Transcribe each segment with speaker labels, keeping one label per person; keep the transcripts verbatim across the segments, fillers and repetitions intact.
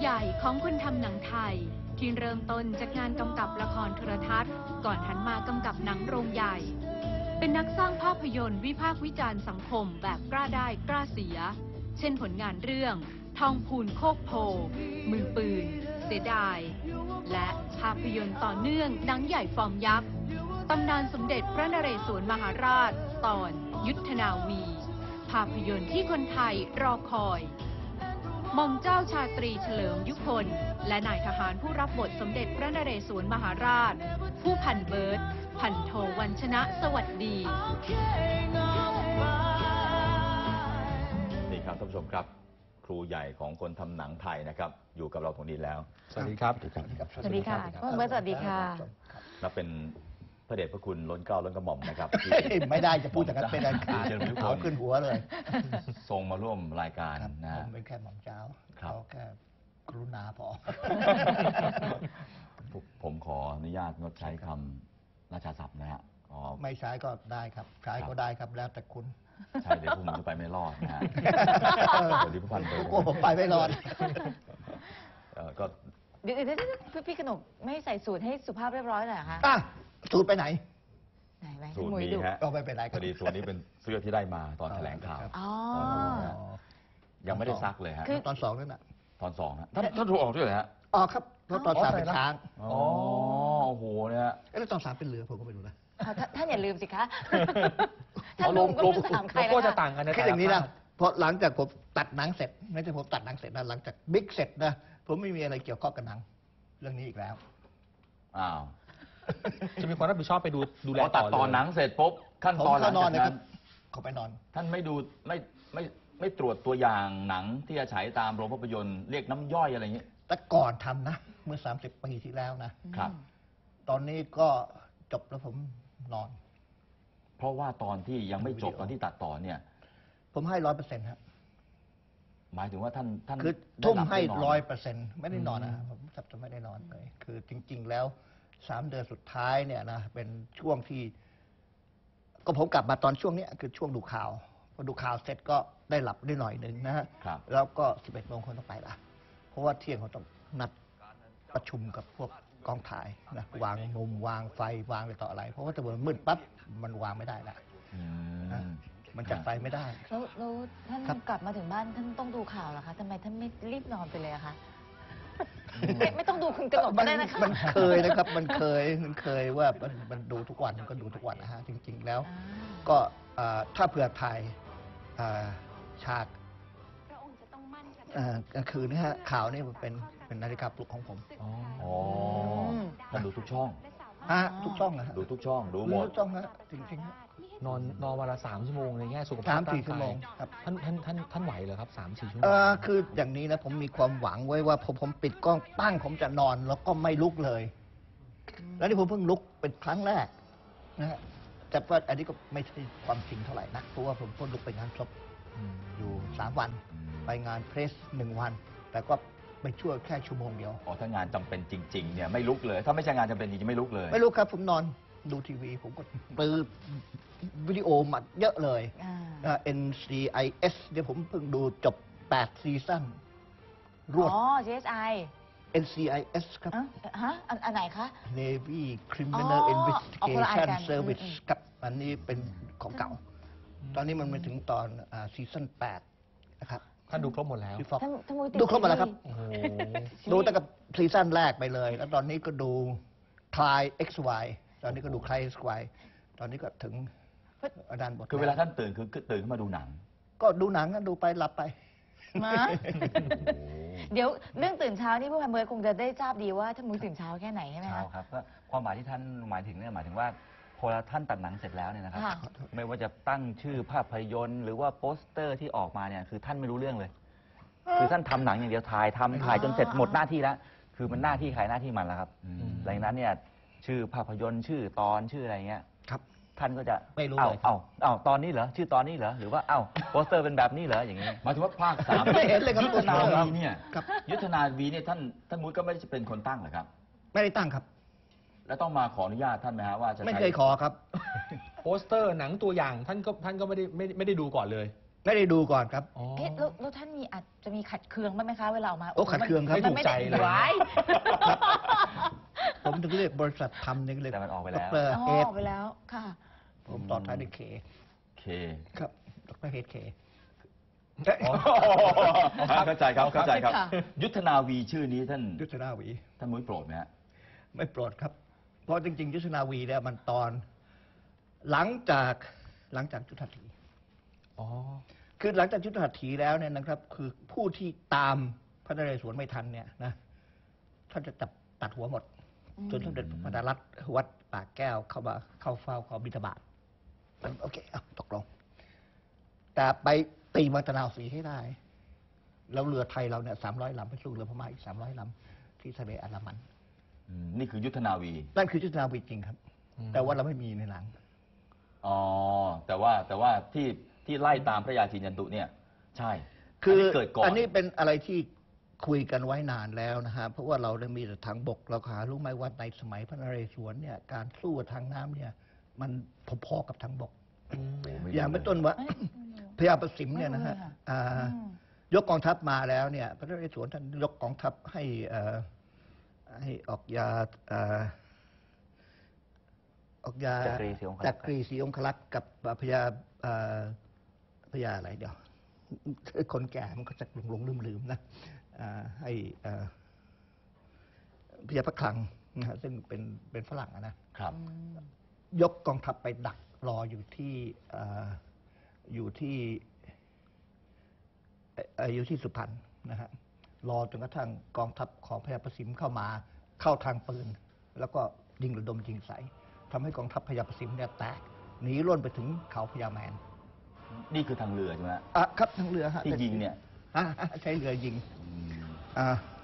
Speaker 1: ใหญ่ของคนทำหนังไทยที่เริ่มต้นจากงานกำกับละครโทรทัศน์ก่อนหันมากำกับหนังโรงใหญ่เป็นนักสร้างภาพยนตร์วิพากษ์วิจารณ์สังคมแบบกล้าได้กล้าเสียเช่นผลงานเรื่องทองพูนโคกโพมือปืนเสียดายและภาพยนตร์ต่อเนื่องหนังใหญ่ฟอร์มยักษ์ตำนานสมเด็จพระนเรศวรมหาราชตอนยุทธนาวีภาพยนตร์ที่คนไทยรอคอยหม่อมเจ้าชาตรีเฉลิมยุคลและนายทหารผู้รับบทสมเด็จพระนเรศวรมหาราชผู้พันเบิร์ตพันโทวัญชนะสวัสดี
Speaker 2: นี่ครับท่านผู้ชมครับครูใหญ่ของคนทำหนังไทยนะครับอยู่กับเราตรงนี้แล้ว
Speaker 3: สวัสดีครับ
Speaker 4: สวัสดีครับ
Speaker 5: สวัสดีค่ะคุณเบิร์ตสวัสดีค่ะ
Speaker 2: นับเป็นพระเดชพระคุณล้นเกล้าล้นกระหม่อมนะครับ
Speaker 4: ไม่ได้จะพูดจากนั้นเป็นอันขาดเขาขึ้นหัวเลย
Speaker 2: ทรงมาร่วมรายการนะ
Speaker 4: ผมเป็นแค่หม่อมเจ้าเขาแค่กรุณาพอ
Speaker 2: ผมขออนุญาตงดใช้คำราชาศัพท์นะฮะ
Speaker 4: ไม่ใช้ก็ได้ครับใช้ก็ได้ครับแล้วแต่คุณ
Speaker 2: ใช่เดี๋ยวพวกมึงจะไปไม่รอดนะฮะเดี๋ยวรีบพันไป
Speaker 4: โอ้ผมไปไม่รอด
Speaker 2: ก็
Speaker 5: เดี๋ยวพี่พี่ขนมไม่ใส่สูตรให้สุภาพเรียบร้อยหน่อยคะ
Speaker 4: สูตรไปไหน
Speaker 5: ไหนไหม
Speaker 2: สูตรนี้ฮะ
Speaker 4: ก็ไม่เป็นไร
Speaker 2: พอดีสูตรนี้เป็นเสื้อที่ได้มาตอนแถลงข่าวยังไม่ได้ซักเลยฮะ
Speaker 4: ตอนสองนั่นแหละ
Speaker 2: ตอนสองนะท่านท่านถูกออกด้วยเหรอฮะ
Speaker 4: อ๋อครับเพราะตอนสามเป็นช้าง
Speaker 2: อ๋อโอ้โหเนี่ย
Speaker 4: แล้วตอนสามเป็นเรือผมก็ไม่รู้นะ
Speaker 5: ท่านอย่าลืมสิคะท่านลุงก็ไม่ถามใครแล้ว
Speaker 3: ก็จะต่างกันนะ
Speaker 4: แค่อย่างนี้นะเพราะหลังจากผมตัดหนังเสร็จไม่ใช่ผมตัดหนังเสร็จนะหลังจากบิ๊กเสร็จนะผมไม่มีอะไรเกี่ยวข้องกับหนังเรื่องนี้อีกแล้ว
Speaker 2: อ้าว
Speaker 3: จะมีความรับผิดชอบไปดูดูแลต่อ
Speaker 2: ตัดตอนหนังเสร็จปุ๊บขั้นตอนหลังจากนั้น
Speaker 4: เขาไปนอน
Speaker 2: ท่านไม่ดูไม่ไม่ไม่ตรวจตัวอย่างหนังที่จะฉายตามโรงภาพยนตร์เรียกน้ำย่อยอะไรอย่างนี้
Speaker 4: แต่ก่อนทำนะเมื่อสามสิบปีที่แล้วนะครับตอนนี้ก็จบแล้วผมนอน
Speaker 2: เพราะว่าตอนที่ยังไม่จบตอนที่ตัดต่อเนี่ย
Speaker 4: ผมให้ร้อยเปอร์เซ็นต์ครับ
Speaker 2: หมายถึงว่าท่านท่าน
Speaker 4: คือทุ่มให้ร้อยเปอร์เซ็นต์ไม่ได้นอนนะผมจับจะไม่ได้นอนเลยคือจริงๆแล้วสามเดือนสุดท้ายเนี่ยนะเป็นช่วงที่ก็ผมกลับมาตอนช่วงนี้คือช่วงดูข่าวพอดูข่าวเสร็จก็ได้หลับได้หน่อยหนึ่งนะฮะแล้วก็สิบเอ็ดโมงคนต้องไปละเพราะว่าเที่ยงเขาต้องนัดประชุมกับพวกกองถ่ายนะวางมุมวางไฟวางอะไรต่ออะไรเพราะว่าถ้าเกิดมืดปั๊บมันวางไม่ได้ละมันจัดไฟไม่ได้
Speaker 5: แล้วแล้วท่านกลับมาถึงบ้านท่านต้องดูข่าวเหรอคะทำไมท่านไม่รีบนอนไปเลยอะคะไม่ต้องดูคุณกระหนกก็ได้นะคะ
Speaker 4: มันเคยนะครับมันเคยมันเคยว่ามันมันดูทุกวันก็ดูทุกวันนะฮะจริงๆแล้วก็ถ้าเผื่อถ่ายฉากกลางคืนนี่ฮะข่าวนี่มันเป็นเป็นนาฬิกาปลุกของผม
Speaker 2: อ๋อท่านดูทุกช่อง
Speaker 4: ฮะทุกช่องนะ
Speaker 2: ดูทุกช่องดูหมด
Speaker 4: ทุกช่องฮะจริง
Speaker 3: ๆนอนนอนวันละสามชั่วโมงในแง่สุขภาพ
Speaker 4: สามสี่ชั่วโมงครับ
Speaker 3: ท่านท่านท่านท่านไหวเหรอครับสามสี่ชั่วโมง
Speaker 4: เออคืออย่างนี้นะผมมีความหวังไว้ว่าผมผมปิดกล้องตั้งผมจะนอนแล้วก็ไม่ลุกเลยแล้วนี่ผมเพิ่งลุกเป็นครั้งแรกนะฮะแต่ว่าอันนี้ก็ไม่ใช่ความจริงเท่าไหร่นะเพราะว่าผมเพิ่งลุกไปงานศพอยู่สามวันไปงานเพรสหนึ่งวันแต่ก็ไปช่วยแค่ชั่วโมงเดียว
Speaker 2: อ๋อถ้างานจำเป็นจริงๆเนี่ยไม่ลุกเลยถ้าไม่ใช่งานจำเป็นจริงๆไม่ลุกเลย
Speaker 4: ไม่ลุกครับผมนอนดูทีวีผมก็ปื้อวิดีโอมาเยอะเลย เอ็น ซี ไอ เอส เดี๋ยวผมเพิ่งดูจบแปดซีซั่น
Speaker 5: รวดอ๋อ ซี เอส ไอ
Speaker 4: เอ็น ซี ไอ เอส ครับ
Speaker 5: ฮะอันไหนคะ
Speaker 4: Navy Criminal Investigation Service ครับอันนี้เป็นของเก่าตอนนี้มันมาถึงตอนซีซั่นแปดนะครับ
Speaker 3: ท่านดูครบหมดแล้ว
Speaker 4: ดูครบหมดแล้วครับดูตั้งแต่ซีซั่นแรกไปเลยแล้วตอนนี้ก็ดู Cry เอ็กซ์ วาย ตอนนี้ก็ดู Cry เอ็กซ์ วาย ตอนนี้ก็ถึงด้านบท
Speaker 2: คือเวลาท่านตื่นคือตื่นขึ้นมาดูหนัง
Speaker 4: ก็ดูหนังกันดูไปหลับไป
Speaker 5: เดี๋ยวเรื่องตื่นเช้านี่ผู้พันเบิร์ดคงจะได้ทราบดีว่าท่านมุ้ยตื่นเช้าแค่ไหนใช่ไหม
Speaker 2: ครับครับก็ความหมายที่ท่านหมายถึงเนี่ยหมายถึงว่าพอท่านตัดหนังเสร็จแล้วเนี่ยนะครับไม่ว่าจะตั้งชื่อภาพยนตร์หรือว่าโปสเตอร์ที่ออกมาเนี่ยคือท่านไม่รู้เรื่องเลยคือท่านทำหนังอย่างเดียวถ่ายทำถ่ายจนเสร็จหมดหน้าที่แล้วคือมันหน้าที่ใครหน้าที่มันแล้วครับหลังจากนั้นเนี่ยชื่อภาพยนตร์ชื่อตอนชื่ออะไรเงี้ย
Speaker 4: ครับ
Speaker 2: ท่านก็จะ
Speaker 4: ไม่รู้
Speaker 2: เลยเอาเอาตอนนี้เหรอชื่อตอนนี้เหรอหรือว่าเอ้าโปสเตอร์เป็นแบบนี้เหรออย่างนี้หมายถึงว่าภาคสาม
Speaker 4: ไม่เห็นเลยครับ
Speaker 2: ยุทธนาวีเนี่ยยุทธนาวีเนี่ยท่านท่านมุ้ยก็ไม่ได้เป็นคนตั้งเหรอครับ
Speaker 4: ไม่ได้ตั้งครับ
Speaker 2: แล้วต้องมาขออนุญาตท่านไหมฮะว่าจะ
Speaker 4: ไม่เคยขอครับ
Speaker 3: โปสเตอร์หนังตัวอย่างท่านก็ท่านก็ไม่ได้ไม่ไม่ได้ดูก่อนเลย
Speaker 4: ไม่ได้ดูก่อนครับ
Speaker 3: อ๋อ
Speaker 5: เอ๊ะแล้วแล้วท่านมีอาจจะมีขัดเคืองบ้างไหมคะเวลาออกมา
Speaker 4: โอ้ขัดเคืองครับ
Speaker 5: มันไม่ได้
Speaker 3: ไม่ถูกใจเลย
Speaker 5: ไว้
Speaker 4: ผมถึงเรียกบริษัททำเนี่ยเรียก
Speaker 2: แต่มันออกไปแล้ว
Speaker 4: ดร
Speaker 5: อ๋อ
Speaker 4: เฮด
Speaker 5: ออกไปแล้วค่ะ
Speaker 4: ผมต่อท้ายด้วยเค
Speaker 2: เค
Speaker 4: ครับดรเฮดเค
Speaker 2: เข้าใจครับเข้าใจครับ
Speaker 5: ค่ะ
Speaker 2: ยุทธนาวีชื่อนี้ท่าน
Speaker 4: ยุทธนาวี
Speaker 2: ท่านมุ้ยโปรดไหมฮะ
Speaker 4: ไม่โปรดครับ เพราะจริง ๆ ยุทธนาวีเนี่ยมันตอนหลังจากหลังจากยุทธหัตถี
Speaker 3: อ๋อ
Speaker 4: คือหลังจากยุทธหัตถีแล้วเนี่ยนะครับ คือผู้ที่ตามพระนเรศวรไม่ทันเนี่ยนะท่านจะจับตัดหัวหมด
Speaker 5: อืม
Speaker 4: จนสมเด็จพระมหารัตน์วัดปากแก้วเข้ามาเข้าเฝ้าขอบิณฑบาตโอเคเอาตกลง แต่ไปตีมังตะนาวศรีให้ได้ แล้วเรือไทยเราเนี่ยสามร้อยลำไปสู้เรือพม่าอีกสามร้อยลำที่ทะเลอันดามัน
Speaker 2: อืมนี่คือยุทธนาวี
Speaker 4: นั่นคือยุทธนาวีจริงครับ
Speaker 3: อืม
Speaker 4: แต่ว่าเราไม่มีในหนัง
Speaker 2: อ๋อ แต่ว่าแต่ว่าที่ที่ไล่ตามพระยาจีนยันตุเนี่ย ใช่
Speaker 4: คือ
Speaker 2: อันนี้เกิดก่อน
Speaker 4: อันนี้เป็นอะไรที่คุยกันไว้นานแล้วนะฮะเพราะว่าเราได้มีแต่ทางบกเราหารู้ไหมว่าในสมัยพระนเรศวรเนี่ยการสู้ทางน้ำเนี่ย มันพอๆกับทางบก
Speaker 3: อืม
Speaker 2: โอ้ไม่รู้
Speaker 4: อย่างเป็นต้นว่า
Speaker 5: เอ้ย
Speaker 4: พญาประสิมเนี่ยนะฮะ
Speaker 5: ไม่รู้เลยค่ะ
Speaker 4: อ่า
Speaker 5: อืม
Speaker 4: ยกกองทัพมาแล้วเนี่ย พระนเรศวรท่านยกกองทัพให้เอ่อให้ออกยาเอ่อออกยา
Speaker 2: จักรีศรีองครักษ์
Speaker 4: จักรีศรีองคลักษ์กับพญาเอ่อพญาอะไรเดี๋ยว คนแก่มันก็จะหลงหลงลืมลืมๆนะอ่าให้เอ่อพญาพระคลังนะฮะซึ่งเป็นเป็นฝรั่งอะนะ
Speaker 2: ครับ
Speaker 4: ยกกองทัพไปดักรออยู่ที่เอ่ออยู่ที่เอ่อเอ่ออยู่ที่สุพรรณนะฮะรอจนกระทั่งกองทัพของพญาประสิมเข้ามาเข้าทางปืน แล้วก็ยิงระดมยิงใส่ทำให้กองทัพพญาประสิมเนี่ยแตกหนีร่นไปถึงเขาพญาแมน
Speaker 2: นี่คือทางเรือใช่ไหมฮะ
Speaker 4: อ่ะครับทางเรือฮะ
Speaker 2: ที่ยิงเนี่ย
Speaker 4: อ่ะใช้เรือยิง
Speaker 2: อืม
Speaker 4: อ่า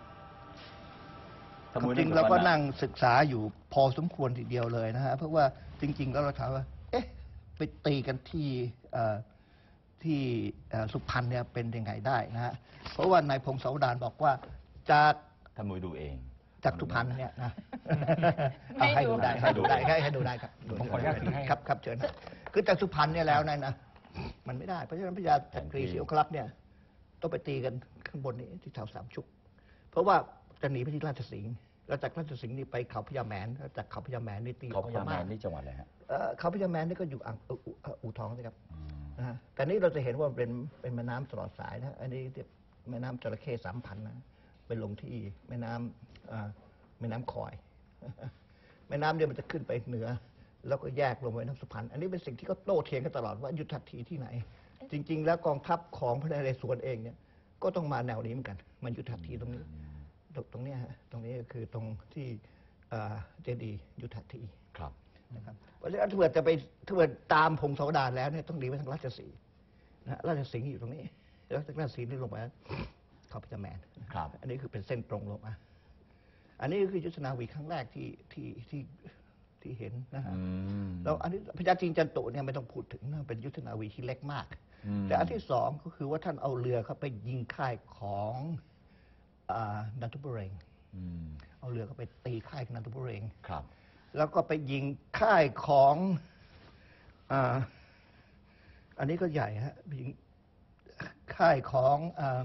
Speaker 2: ท่าน
Speaker 4: ค
Speaker 2: มุ้
Speaker 4: วาม
Speaker 2: ย
Speaker 4: จริง
Speaker 2: นึ
Speaker 4: เราก็
Speaker 2: ว่า
Speaker 4: นั่งศึกษาอยู่พอสมควรทีเดียวเลยนะฮะเพราะว่าจริง ๆ แล้วเราถามว่า เอ๊ะ ไปตีกันที่เอ่อที่เอ่อสุพรรณเนี่ยเป็นยังไงได้นะฮะเพราะว่านายพงศาวดารบอกว่าจาก
Speaker 2: ท่านมุ้ยดูเอง
Speaker 4: จากสุพรรณเนี่ยนะ
Speaker 5: ไม่
Speaker 4: เอาให้
Speaker 5: ดู
Speaker 4: ดูได้ให้ดูได้ให้ให้ดูได้ครับ
Speaker 3: ผมขออนุญาตถือให้
Speaker 4: ครับครับเชิญนะคือจากสุพรรณเนี่ยแล้วนั่นนะมันไม่ได้เพราะฉะนั้นพญาจักรีศรีองครักษ์เนี่ยต้องไปตีกันข้างบนนี้ที่แถวสามชุก เพราะว่าจะหนีไปที่ราชสิงห์แล้วจากราชสิงห์นี่ไปเขาพญาแมนแล้วจากเขาพญาแมนนี่ตี
Speaker 2: เขาพยายาม
Speaker 4: พม่
Speaker 2: แมนนี่จังหวัดอะไรฮะ
Speaker 4: เอ่อเขาพญาแมนนี่ก็อยู่อ่างเอ่ออู่เอ่ออู่ทองนะครับ
Speaker 2: อืม
Speaker 4: นะฮะแต่นี่เราจะเห็นว่าเป็นเป็นแม่น้ำตลอดสายนะอันนี้เรียกแม่น้ำจระเข้สามพันนะไปลงที่แม่น้ำอ่าแม่น้ำคอย แม่น้ำเนี่ยมันจะขึ้นไปเหนือ แล้วก็แยกลงไปน้ำสุพรรณอันนี้เป็นสิ่งที่เขาโต้เถียงกันตลอดว่ายุทธหัตถีที่ไหน จริง ๆ แล้วกองทัพของพระนเรศวรเองเนี่ยก็ต้องมาแนวนี้เหมือนกัน มันยุทธหัตถีตรงนี้ ตรงตรงเนี้ยฮะตรงนี้ก็คือตรงที่เอ่อเจดีย์ยุทธหัตถี
Speaker 2: ครับ
Speaker 4: นะครับเพราะฉะนั้นถ้าเกิดจะไปถ้าเกิดตามพงศาวดารแล้วเนี่ยต้องหนีไปทางราชสีห์นะฮะราชสิงห์อยู่ตรงนี้ แล้วจากราชสีห์นี่ลงมาเขาพญาแมน
Speaker 2: ครับ
Speaker 4: อันนี้คือเป็นเส้นตรงลงมาอันนี้ก็คือยุทธนาวีครั้งแรกที่ที่ที่ที่เห็นนะฮะ
Speaker 2: อืม
Speaker 4: แล้วอันนี้พญาจีนจันตุเนี่ยไม่ต้องพูดถึงนะเป็นยุทธนาวีที่เล็กมาก
Speaker 2: อืม
Speaker 4: แต่อันที่สองก็คือว่าท่านเอาเรือเข้าไปยิงค่ายของอ่านันทบุเรง
Speaker 2: อืม
Speaker 4: เอาเรือเข้าไปตีค่ายนันทบุเรง
Speaker 2: ครับ
Speaker 4: แล้วก็ไปยิงค่ายของอ่าอันนี้ก็ใหญ่ฮะยิงค่ายของอา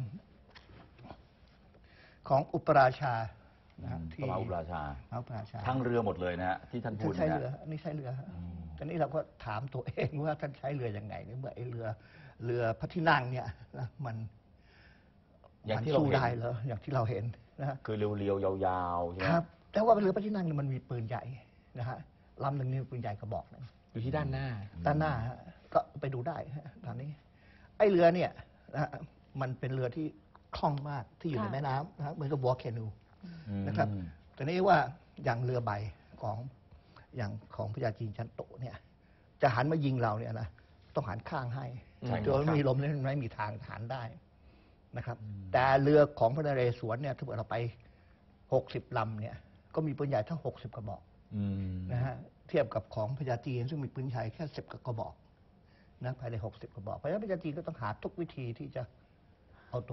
Speaker 4: ของอุปราชานะฮะ
Speaker 2: พระมหาอุปราชา
Speaker 4: พระอุปราชา
Speaker 2: ทั้งเรือหมดเลยนะฮะที่ท่านพู
Speaker 4: ท่า
Speaker 2: ด
Speaker 4: นใช้
Speaker 2: นะ
Speaker 4: เรือ
Speaker 2: ฮะ
Speaker 4: อันนี้ใช้เรือฮะ
Speaker 2: อืม
Speaker 4: ตอนนี้เราก็ถามตัวเองว่าท่านใช้เรือยังไงเนี่ยเมื่อไอ้เรือเรือพระที่นั่งเนี่ยนะมัน
Speaker 2: อย่าง
Speaker 4: มัน
Speaker 2: ที่เรา
Speaker 4: สู้
Speaker 2: เห็น
Speaker 4: ได้เหรออย่างที่เราเห็นนะฮะ
Speaker 2: คือเรียวๆยาวๆใช่ไหม
Speaker 4: ครับ แต่ว่าเรือพระที่นั่งเนี่ยมันมีปืนใหญ่นะฮะลำหนึ่งนี่ปืนใหญ่กระบอกหนึง
Speaker 3: อยู่ที่ด้านหน้า
Speaker 4: ด้านหน้าฮะก็ไปดูได้ฮะตอนนี้ ไอ้เรือเนี่ยนะฮะมันเป็นเรือที่คล่องมากที่อยู่ใน
Speaker 5: ค่ะ
Speaker 4: แม่น้ำนะฮะเหมือนกับวอลแคนู
Speaker 2: อืม
Speaker 4: นะครับ แต่นี้ว่าอย่างเรือใบของอย่างของพญาจีนจันโตเนี่ย จะหันมายิงเราเนี่ยนะต้องหันข้างให้
Speaker 3: ใช่ครับ
Speaker 4: โดยไม่มีลมเนี่ยไม่มีทางหันได้นะครับ แต่เรือของพระนเรศวรเนี่ยถ้าเกิดเราไปหกสิบลำเนี่ย ก็มีปืนใหญ่ทั้งหกสิบกระบอก
Speaker 2: อืม
Speaker 4: นะฮะเทียบกับของพญาจีนซึ่งมีปืนใหญ่แค่สิบกระบอกนะภายในหกสิบกระบอกเพราะฉะนั้นพญาจีนก็ต้องหาทุกวิธีที่จะเอาตัวรอด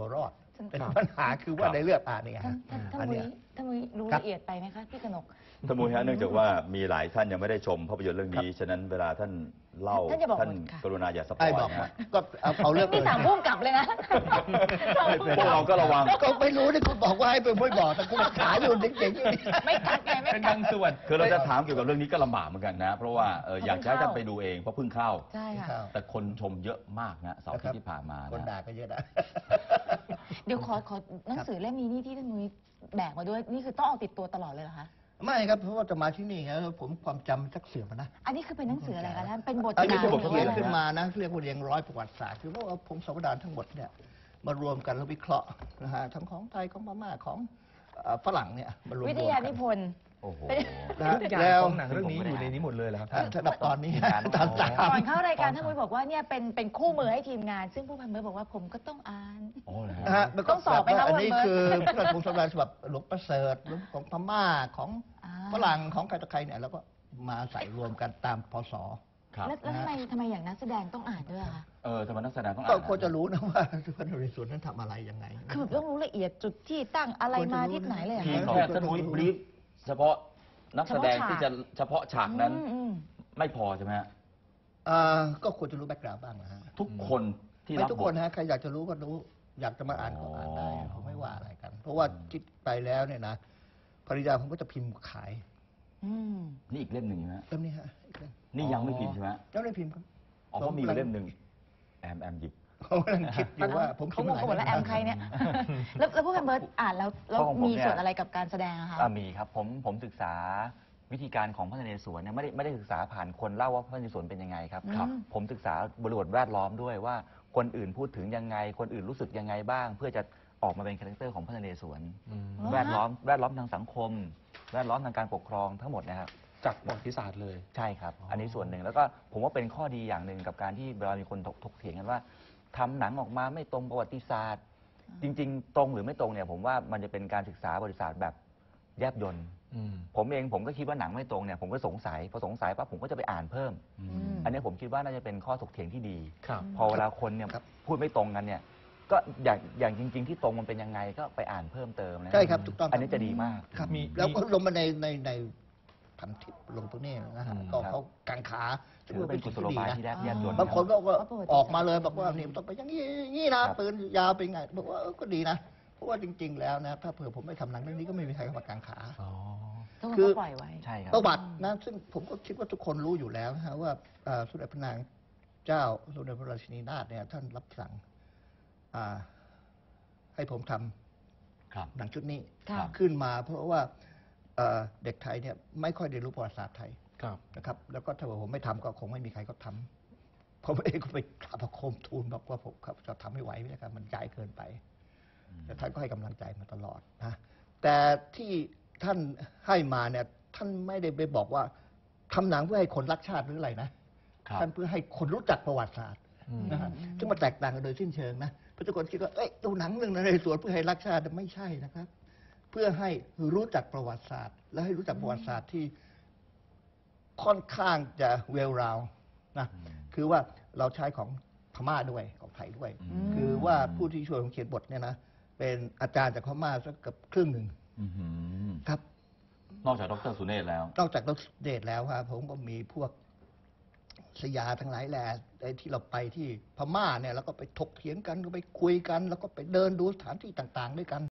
Speaker 5: ฉัน
Speaker 4: เป็นปัญหาคือว่าในเลือดอ่านเนี่ย
Speaker 5: ท่าน
Speaker 4: ฮะ
Speaker 5: ท่านท่าน
Speaker 4: อัน
Speaker 5: มุ้
Speaker 4: เนี้
Speaker 5: ย
Speaker 4: ย
Speaker 5: ท่านมุ้ยรู้
Speaker 4: ครับ
Speaker 5: ละเอียดไปไหมคะพี่กนก
Speaker 6: ท่านมุ้ยฮะเนื่องจากว่ามีหลายท่านยังไม่ได้ชมภาพยนตร์เรื่องนี้ ฉะนั้นเวลาท่านเล่า
Speaker 5: ท่านอย่าบอก
Speaker 6: ท่าน
Speaker 5: หมดค่ะ
Speaker 6: กรุณาอย่าสปอ
Speaker 4: ไอ้
Speaker 6: ย
Speaker 4: บอก
Speaker 6: นะ
Speaker 4: ว่า
Speaker 6: ฮะ
Speaker 4: ก็เอาเอาเรื่อง
Speaker 5: นี่
Speaker 4: อื่น
Speaker 5: สั่งพุ่มกลับเลยนะ
Speaker 6: พวกเราก็ระวัง
Speaker 4: ก็ไม่รู้ที่คุณบอกว่าให้เป็นไม่บอกแต่คุณขายอยู่เจ๋งๆอยู่นี่
Speaker 5: ไม่กัดไงไม่
Speaker 3: เป็น
Speaker 5: กั
Speaker 3: บา
Speaker 5: ด
Speaker 3: งส่วน
Speaker 6: คือเราจะถามเกี่ยวกับเรื่องนี้ก็ลำบากเหมือนกันนะ เพราะว่าเออ
Speaker 5: เพราะ
Speaker 6: อยากจะให้
Speaker 5: เพิ่ง
Speaker 6: ท่าน
Speaker 5: เข้า
Speaker 6: ไปดูเองเพราะเพิ่งเข้า
Speaker 5: ใช่ค่ะ
Speaker 6: แต่คนชมเยอะมากนะเสาร์อาทิตย์ที่ผ่านมา
Speaker 4: คน
Speaker 6: นะ
Speaker 4: ด่าก็เยอะนะ
Speaker 5: เดี๋ยวขอขอหนังสือเล่มนี้นี่ที่ท่านมุ้ยแบกมาด้วยนี่คือต้องเอาติดตัวตลอดเลยเหรอคะ
Speaker 4: ไม่ครับเพราะว่าจะมาที่นี่ไงแล้วผมความจำสักเสื่อมอะนะ
Speaker 5: อันนี้คือเป็นหนังสืออะไรคะท่านเป็นบท
Speaker 4: อันนี้
Speaker 5: กา
Speaker 4: คื
Speaker 5: ร
Speaker 4: อบท
Speaker 5: หรือ
Speaker 4: เขียน
Speaker 5: ว่า
Speaker 4: ขึ้นมานะเรียกว่าเรียงร้อยประวัติศาสตร์คือว่าผมสมดานทั้งหมดเนี่ยมารวมกันแล้ววิเคราะห์นะฮะทั้งของไทยของพม่าของเอ่อฝรั่งเนี่ยมารวม
Speaker 5: วิ
Speaker 4: ๆ
Speaker 5: ทยา
Speaker 4: กั
Speaker 5: นิ
Speaker 4: น
Speaker 5: พนธ์
Speaker 2: โอ้โห
Speaker 4: นะฮะ
Speaker 3: ทุกอย่าง
Speaker 4: แล้ว
Speaker 3: ของหนังเรื่องนี้อยู่ในนี้หมดเลยเหรอครับ
Speaker 4: อ่ะสำหรับตอนนี้
Speaker 2: การ
Speaker 4: ตอนสาม
Speaker 5: ก่อนเข้ารายการท่านมุ้ยบอกว่าเนี่ยเป็นเป็นคู่มือให้ทีมงาน ซึ่งผู้พันเบิร์ดบอกว่าผมก็ต้องอ่าน
Speaker 2: โอ้เลย
Speaker 4: นะฮะมันก็
Speaker 5: ต้องสอบไหมคะ
Speaker 4: อันนี้
Speaker 5: ว่า
Speaker 4: คือ
Speaker 5: เบิร์ด
Speaker 4: พระราชวงศ์สมดานฉบับหลวงประเสริฐหรือของพม่าของ
Speaker 5: อ่า
Speaker 4: ฝรั่งของใครต่อใครเนี่ยแล้วก็มาใส่รวมกันตามพศ
Speaker 6: ครับ
Speaker 5: แล้วแล้วทำไมทำไมอย่างนักแสดงต้องอ่านด้วยอะคะ
Speaker 6: เออทำไมนักแสดงต้อง
Speaker 4: ก็
Speaker 6: อ่าน
Speaker 4: ควรจะรู้นะว่าพระนเรศวรนั้นทำอะไรยังไง
Speaker 5: คือแบบต้องรู้ละเอียดจุดที่ตั้งอะไรมาที่ไหนเลยเหรอ
Speaker 6: ที่
Speaker 5: คะ
Speaker 6: แค่ท่านมุ้ยบรีฟเฉพาะนักแสดง
Speaker 5: เฉพาะฉาก
Speaker 6: ที่จะเฉพาะฉากนั้น
Speaker 5: อืมอืม
Speaker 6: ไม่พอใช่ไหมฮะ
Speaker 4: อ่าก็ควรจะรู้แบ็กกราวด์บ้างนะฮะ
Speaker 6: ทุกคนที่
Speaker 4: ไม่
Speaker 6: รับ
Speaker 4: ทุก
Speaker 6: บ
Speaker 4: คน
Speaker 6: ท
Speaker 4: นะใครอยากจะรู้ก็รู้ อยากจะมาอ่านก็อ่านได้
Speaker 6: อ๋อ
Speaker 4: ผมไม่ว่าอะไรกัน เพราะว่าคิดไปแล้วเนี่ยนะภริยาผมก็จะพิมพ์ขาย
Speaker 5: อืม
Speaker 6: นี่อีกเล่มหนึ่งนะฮะ
Speaker 4: เล่มนี้ฮะอีกเล่ม
Speaker 6: นี่ยังไม่พิมพ์ใช่ไหมฮะ
Speaker 4: เล่มนี้พิมพ์ครับ
Speaker 6: อ๋อเพราะมีอยู่เล่มหนึ่งแอมแอมหยิบ
Speaker 4: ผมกำลังคิดอยู่ว่าผม
Speaker 5: เขา
Speaker 4: พิม
Speaker 5: ง
Speaker 4: พ์
Speaker 5: งกันหมดแล้วแอมใครเนี่ย แล้วแล้วผู้พันเบิร์ดอ่านแล้วแล้ว
Speaker 2: ข้อของผม
Speaker 5: มี
Speaker 2: เนี่ย
Speaker 5: ส่วนอะไรกับการแสดงอะคะ
Speaker 2: อ่ามีครับผมผมศึกษาวิธีการของพระนเรศวรเนี่ยไม่ได้ไม่ได้ศึกษาผ่านคนเล่าว่าพระนเรศวรเป็นยังไงครับ
Speaker 5: ครับ
Speaker 2: ผมศึกษาบริบทแวดล้อมด้วยว่าคนอื่นพูดถึงยังไง คนอื่นรู้สึกยังไงบ้าง เพื่อจะออกมาเป็นคาแรคเตอร์ของพระนเรศวร
Speaker 3: อืม
Speaker 5: อ๋อ
Speaker 2: แวดล้อมแวดล้อมทางสังคม แวดล้อมทางการปกครองทั้งหมดนะครับ
Speaker 3: จากประวัติศาสตร์เลย
Speaker 2: ใช่ครับ
Speaker 3: อ๋ออั
Speaker 2: อันนี้ส่วนหนึ่งแล้วก็ผมว่าเป็นข้อดีอย่างหนึ่งกับการที่เวลามีคนถกถกเถียงกันว่าทำหนังออกมาไม่ตรงประวัติศาสตร์ จริง ๆ ตรงหรือไม่ตรงเนี่ยผมว่ามันจะเป็นการศึกษาประวัติศาสตร์แบบแยบยล
Speaker 3: อืม
Speaker 2: ผมเองผมก็คิดว่าหนังไม่ตรงเนี่ยผมก็สงสัยพอสงสัยปั๊บผมก็จะไปอ่านเพิ่ม
Speaker 6: อื
Speaker 5: อื
Speaker 6: ม
Speaker 5: ม
Speaker 2: อันนี้ผมคิดว่าน่าจะเป็นข้อถกเถียงที่ดี
Speaker 3: ครับ
Speaker 2: พอเวลาคนเนี่ยพูดไม่ตรงกันเนี่ย ก็อย่างอย่างจริง ๆ ที่ตรงมันเป็นยังไงก็ไปอ่านเพิ่มเติมนะ
Speaker 4: ใช่ครับถูกต้อง
Speaker 2: อันนี้จะดีมาก
Speaker 4: ครับ
Speaker 3: มี
Speaker 4: แล้วก็ลงมาในในในพันทิปลงตรงนี้นะฮะ
Speaker 3: อืม
Speaker 4: ก็
Speaker 2: ครับ
Speaker 4: เขากังขาซึ่ง
Speaker 2: ถือ
Speaker 4: มั
Speaker 2: เป็น นกุ
Speaker 4: สิ่ง
Speaker 2: ศโล
Speaker 4: ที่ดี
Speaker 2: บาย
Speaker 4: นะ
Speaker 2: ที่แยบแยบยล
Speaker 4: บางคนก็ก็
Speaker 5: เพราะประวัติ
Speaker 4: ออกมาเลย
Speaker 5: ศาสตร์
Speaker 4: บอกว่านี่มันต้องไปอย่างนี้อย่างนี้นะครับ ปืนยาวเป็นไงบอกว่าเออก็ดีนะ เพราะว่าจริง ๆ แล้วนะถ้าเผื่อผมไม่ทำหนังเรื่องนี้ก็ไม่มีใครเข้ามากังขา
Speaker 3: อ๋อ
Speaker 5: ทุกคน
Speaker 4: คือ
Speaker 5: ก็ปล่อยไว้
Speaker 2: ใช่ครับ
Speaker 4: ประวัตินะซึ่งผมก็คิดว่าทุกคนรู้อยู่แล้วนะฮะว่าเอ่อสมเด็จพระนางเจ้าสมเด็จพระราชินีนาถเนี่ยท่านรับสั่งอ่าให้ผมทำ
Speaker 6: ครับ
Speaker 4: หนังชุดนี้
Speaker 5: ค่ะ
Speaker 4: ขึ้นมา เพราะว่าเอ่อเด็กไทยเนี่ยไม่ค่อยได้รู้ประวัติศาสตร์ไทย
Speaker 3: ครับ
Speaker 4: นะครับ แล้วก็ถ้าว่าผมไม่ทำก็คงไม่มีใครก็ทำผมเองก็ไปกราบพระโคมทูลบอกว่าผมครับจะทำไม่ไหวไม่ได้ครับมันใหญ่เกินไป แต่ท่านก็ให้กำลังใจมาตลอดนะแต่ที่ท่านให้มาเนี่ยท่านไม่ได้ไปบอกว่าทำหนังเพื่อให้คนรักชาติหรืออะไรนะครับ ท่านเพื่อให้คนรู้จักประวัติศาสตร์
Speaker 3: อืม
Speaker 4: นะฮะซึ่งมันแตกต่างกันโดยสิ้นเชิงนะเพราะทุกคนคิดว่าเอ้ยดูหนังเรื่องนเรศวรเพื่อให้รักชาติไม่ใช่นะครับ เพื่อให้รู้จักประวัติศาสตร์ และให้รู้จักประวัติศาสตร์ที่ค่อนข้างจะเวลราวนะคือว่าเราใช้ของพม่าด้วยของไทยด้วย
Speaker 6: อืม
Speaker 4: คือว่าผู้ที่ช่วยผมเขียนบทเนี่ยนะเป็นอาจารย์จากพม่าสักเกับครึ่งหนึ่ง
Speaker 6: อื้อหือ
Speaker 4: ครับ
Speaker 6: นอกจากดรสุเนศแล้ว
Speaker 4: นอกจากดรเดชแล้วครับผมก็มีพวกสยาทั้งหลายแหล่ไอ้ที่เราไปที่พม่าเนี่ยแล้วก็ไปถกเถียงกันก็ไปคุยกัน แล้วก็ไปเดินดูสถานที่ต่าง ๆ ด้วยกัน